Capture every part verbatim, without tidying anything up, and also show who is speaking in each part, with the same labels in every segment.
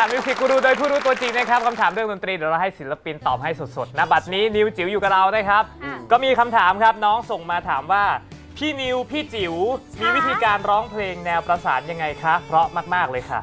Speaker 1: ามมิวสิกกูรูโดยผู้รู้ตัวจริงนะครับคำถามเรื่องดนตรีเดี๋ยวเราให้ศิลปินตอบให้สดๆนะบัดนี้นิวจิ๋วอยู่กับเรานะครับก็มีคำถามครับน้องส่งมาถามว่าพี่นิวพี่จิ๋วมีวิธีการร้องเพลงแนวประสานยังไงคะเพราะมากๆเลยค่ะ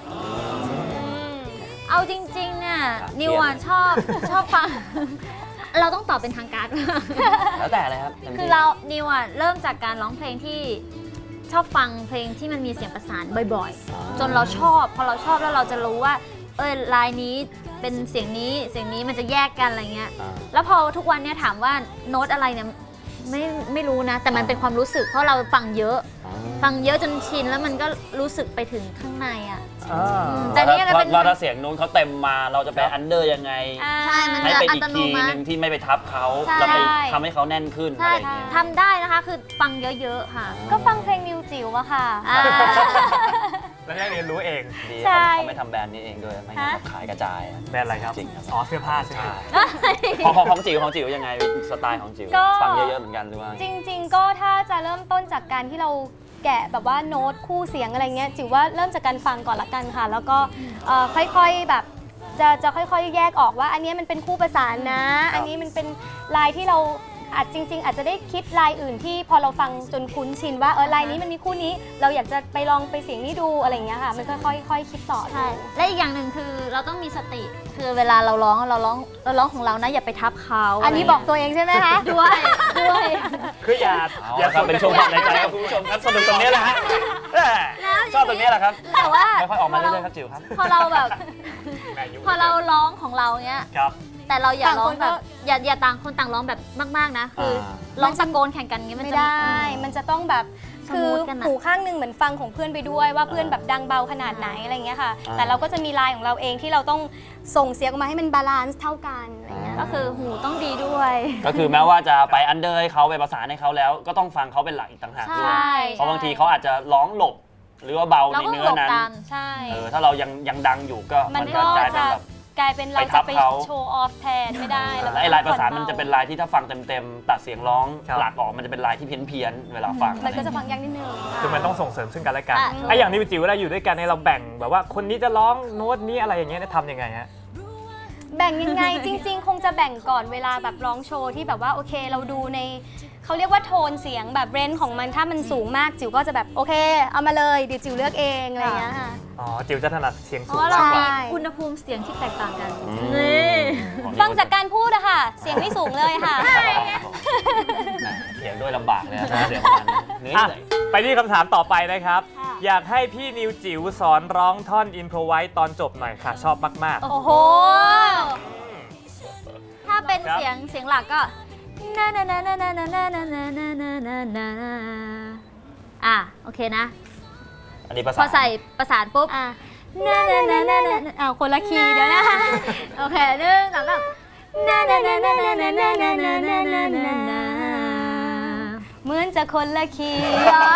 Speaker 2: เอาจริงๆเนี่ยนิวอ่ะชอบชอบฟังเราต้องตอบเป็นทางการ
Speaker 3: แล้วแต่เลยครับ
Speaker 2: คือเรานิวอ่ะเริ่มจากการร้องเพลงที่ชอบฟังเพลงที่มันมีเสียงประสานบ่อยๆจนเราชอบพอเราชอบแล้วเราจะรู้ว่าเออลายนี้เป็นเสียงนี้เสียงนี้มันจะแยกกันอะไรเงี้ยแล้วพอทุกวันเนี่ยถามว่าโน้ตอะไรเนี่ยไม่ไม่รู้นะแต่มันเป็นความรู้สึกเพราะเราฟังเยอะฟังเยอะจนชินแล้วมันก็รู้สึกไปถึงข้างในอ่ะ
Speaker 3: แต่นี่ก็เป็นเราถ้าเสียงนู้นเขาเต็มมาเราจะไปอันเดอร์ยังไง
Speaker 2: ใช่มัน
Speaker 3: ให้
Speaker 2: จะ
Speaker 3: ไป
Speaker 2: อั
Speaker 3: อีก
Speaker 2: ตโน
Speaker 3: ที
Speaker 2: มั
Speaker 3: นึงที่ไม่ไปทับเขา
Speaker 2: เรา
Speaker 3: ไปทำให้เขาแน่นขึ้นอะไรอย่างเงี้ย
Speaker 2: ทำได้นะคะคือฟังเยอะๆค่ะ
Speaker 4: ก็ฟังเพลงนิวจิ๋วอะค่ะ
Speaker 1: แล้วได้เรียนรู้เอง
Speaker 3: ดีเขาไม่ทำแบรนด์นี้เองด้วยไม่งั้นขายกระจาย
Speaker 1: แบรนด์อะไรครับ
Speaker 3: จริงครับ
Speaker 1: อ๋อเสื้อผ้าใช่ไหม
Speaker 3: ของของจิ๋วของจิ๋วยังไงสไตล์ของจิ๋วฟังเยอะๆเหมือนกันหรือว่า
Speaker 4: จริงๆก็ถ้าจะเริ่มต้นจากการที่เราแกะแบบว่าโน้ตคู่เสียงอะไรเงี้ยจิ๋วว่าเริ่มจากการฟังก่อนละกันค่ะแล้วก็ค่อยๆแบบจะจะค่อยๆแยกออกว่าอันนี้มันเป็นคู่ประสานนะอันนี้มันเป็นลายที่เราอาจจริงๆอาจจะได้คิดลายอื่นที่พอเราฟังจนคุ้นชินว่าเออลายนี้มันมีคู่นี้เราอยากจะไปลองไปเสียงนี้ดูอะไรอย่างเงี้ยค่ะมันค่อยๆค่อยๆคิดต่อ
Speaker 2: ใช่และอีกอย่างหนึ่งคือเราต้องมีสติคือเวลาเราร้องเราร้องเราร้องของเรานะอย่าไปทับเขา
Speaker 4: อันนี้บอกตัวเองใช่ไหมคะ
Speaker 2: ด้วยด้วย
Speaker 1: คืออย่า
Speaker 3: อย่าเป็นช่วงความในใจครับคุณผู้ชมครับสนุกตรงนี้แหละฮะชอบตรงนี้แหละครับ
Speaker 2: แต่ว่า
Speaker 3: ค่อยๆออกมาเรื่อยๆครับจิ๋วครับ
Speaker 2: พอเราแบบพอเราร้องของเราเนี้ยแต่เราอย่าร้องแบบอย่าอย่าต่างคนต่างร้องแบบมากๆนะคือร้องตะโกนแข่งกันงี้
Speaker 4: มันไม่ได้มันจะต้องแบบคือหูข้างนึงเหมือนฟังของเพื่อนไปด้วยว่าเพื่อนแบบดังเบาขนาดไหนอะไรเงี้ยค่ะแต่เราก็จะมีลายของเราเองที่เราต้องส่งเสียงออกมาให้มันบาลานซ์เท่ากันอะไรเงี้ย
Speaker 2: ก็คือหูต้องดีด้วย
Speaker 3: ก็คือแม้ว่าจะไปอันเดอร์ให้เขาไปประสานให้เขาแล้วก็ต้องฟังเขาเป็นหลักอีกต่างหากด้วยเพราะบางทีเขาอาจจะร้องหลบหรือว่าเบาในเนื้อนั้น
Speaker 4: ใช่
Speaker 3: เออถ้าเรายังยังดังอยู่ก็มันก็กลายเป็นแบบ
Speaker 4: กลายเป็นเราจะไปโชว์ออฟแทนไม่ได้
Speaker 3: แล้วไอ้ลายประสานมันจะเป็นลายที่ถ้าฟังเต็มๆตัดเสียงร้องหลักออกมันจะเป็นลายที่เพี้ยนๆเวลาฟัง
Speaker 4: มันก็จะฟังยากนิดนึง
Speaker 1: คือมันต้องส่งเสริมซึ่งกันและกันไอ้อย่างนี้จิ๋วเวลาอยู่ด้วยกันเนี่ยเราแบ่งแบบว่าคนนี้จะร้องโน้ตนี้อะไรอย่างเงี้ยทำยังไงฮะ
Speaker 4: แบ่งยังไงจริงๆคงจะแบ่งก่อนเวลาแบบร้องโชว์ที่แบบว่าโอเคเราดูในเขาเรียกว่าโทนเสียงแบบเรนจ์ของมันถ้ามันสูงมากจิ๋วก็จะแบบโอเคเอามาเลยเดี๋ยวจิ๋วเลือกเองอะไรอย่างเงี้ยค่ะ
Speaker 1: อ๋อจิ๋วจะถนัดเสียงสูง
Speaker 2: เพราะเรามีอุณหภูมิเสียงที่แตกต่างกันนี่
Speaker 4: ฟังจากการพูดอะค่ะเสียงไม่สูงเลยค่ะ
Speaker 3: เสียงด้วยลำบากเลยนะเสียงมันเหนื่อย
Speaker 1: ไปที่คำถามต่อไปนะครับอยากให้พี่นิวจิ๋วสอนร้องท่อนอินโทรไว้ตอนจบหน่อยค่ะชอบมาก
Speaker 2: ๆโอ้โหถ้าเป็นเสียงเสียงหลักก็นานานานานานานานานานานานาอ่ะโอเคนะ
Speaker 3: อันนี้ภาษา
Speaker 2: พอใส่ประสานปุ๊บอ่ะนานานานานา
Speaker 4: อ้าวคนละคีย์เดี๋ยวนะ
Speaker 2: โอเคหนึ่งสองสามนานานานานานานานานานานานานา
Speaker 4: เหมือนจะคนละคีย์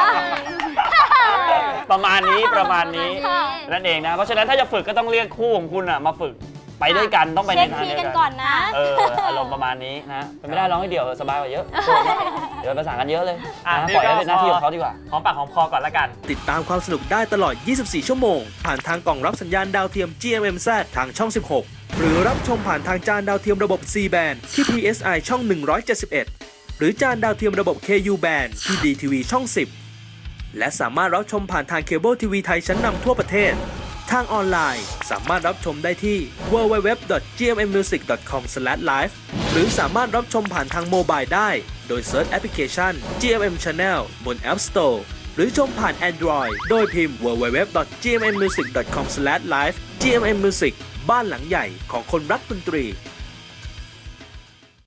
Speaker 3: ประมาณนี้ประมาณนี้นั่นเองนะเพราะฉะนั้นถ้าจะฝึกก็ต้องเรียกคู่ของคุณอ่ะมาฝึกไปด้วยกันต้องไปในทางเดียวกัน
Speaker 4: ก่อนนะ
Speaker 3: เอออารมณ์ประมาณนี้นะไม่ได้ร้องให้เดียวสบายกว่าเยอะเดี๋ยวประสานกันเยอะเลยปล่อยให้เป็นหน้าที่ของเขาดีกว่า
Speaker 1: หอมปากหอมคอก่อนละกัน
Speaker 5: ติดตามความสนุกได้ตลอดยี่สิบสี่ชั่วโมงผ่านทางกล่องรับสัญญาณดาวเทียม จี เอ็ม เอ็ม แซด ทางช่องสิบหกหรือรับชมผ่านทางจานดาวเทียมระบบ ซี แบนด์ ที่ พี เอส ไอ ช่องหนึ่งร้อยเจ็ดสิบเอ็ดหรือจานดาวเทียมระบบ เค ยู แบนด์ ที่ ดี ที วี ช่องสิบและสามารถรับชมผ่านทางเคเบิลทีวีไทยชั้นนำทั่วประเทศทางออนไลน์สามารถรับชมได้ที่ ดับเบิลยู ดับเบิลยู ดับเบิลยู ดอท จี เอ็ม เอ็ม มิวสิก ดอท คอม สแลช ไลฟ์ หรือสามารถรับชมผ่านทางโมบายได้โดยเซิร์ชแอปพลิเคชัน จี เอ็ม เอ็ม Channel บน App Store หรือชมผ่าน Android โดยพิมพ์ ดับเบิลยู ดับเบิลยู ดับเบิลยู ดอท จี เอ็ม เอ็ม มิวสิก ดอท คอม สแลช ไลฟ์ จี เอ็ม เอ็ม Music บ้านหลังใหญ่ของคนรักดนตรี